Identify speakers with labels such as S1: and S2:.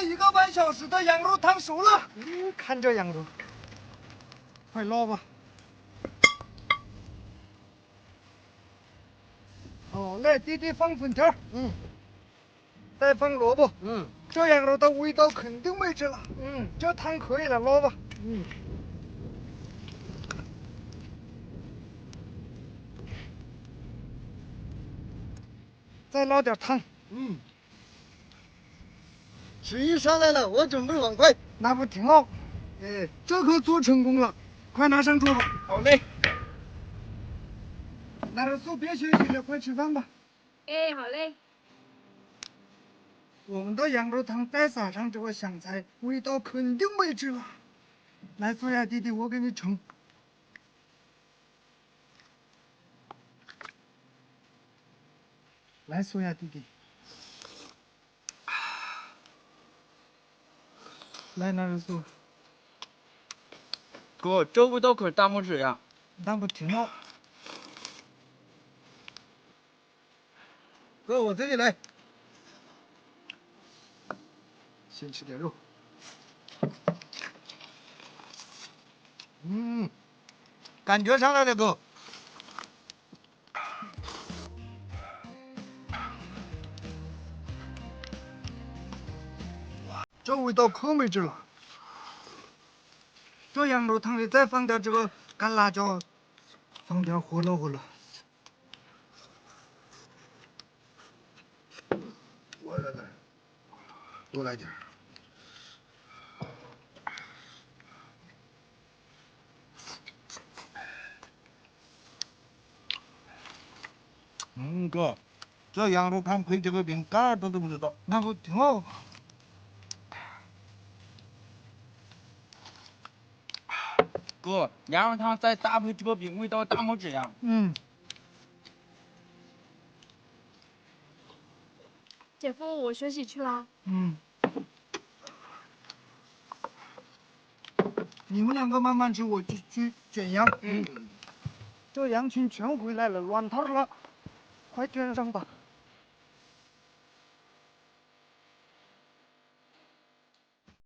S1: 1个半小时的羊肉汤熟了。
S2: 看这羊肉，快捞吧。哦，来，弟弟放粉条。再放萝卜。这羊肉的味道肯定没吃了。这汤可以了，捞吧。再捞点汤。
S1: 食欲上来了，我准备碗筷。
S2: 那不挺好？这可做成功了，快拿上桌吧。
S1: 好嘞。
S2: 拿着手别休息了，快吃饭吧。
S3: 哎，好嘞。
S2: 我们的羊肉汤再撒上这个香菜，味道肯定没吃了。来，苏雅弟弟，我给你盛。来，苏雅弟弟。来，拿着手。
S1: 哥，这味道可大拇指呀！
S2: 那不挺好？
S1: 哥，我这里来。
S2: 先吃点肉。
S1: 感觉上来了，哥。
S2: 这味道可没治了。这羊肉汤里再放点这个干辣椒，放点胡萝卜了。
S1: 我来，多来点。哥，这羊肉汤配这个饼干都不知道。
S2: 那不挺好？
S1: 哥，羊肉汤再搭配这个饼，味道大拇指呀！
S3: 姐夫，我休息去了。
S2: 你们两个慢慢吃，我去卷羊。这羊群全回来了，乱套了，快卷上吧。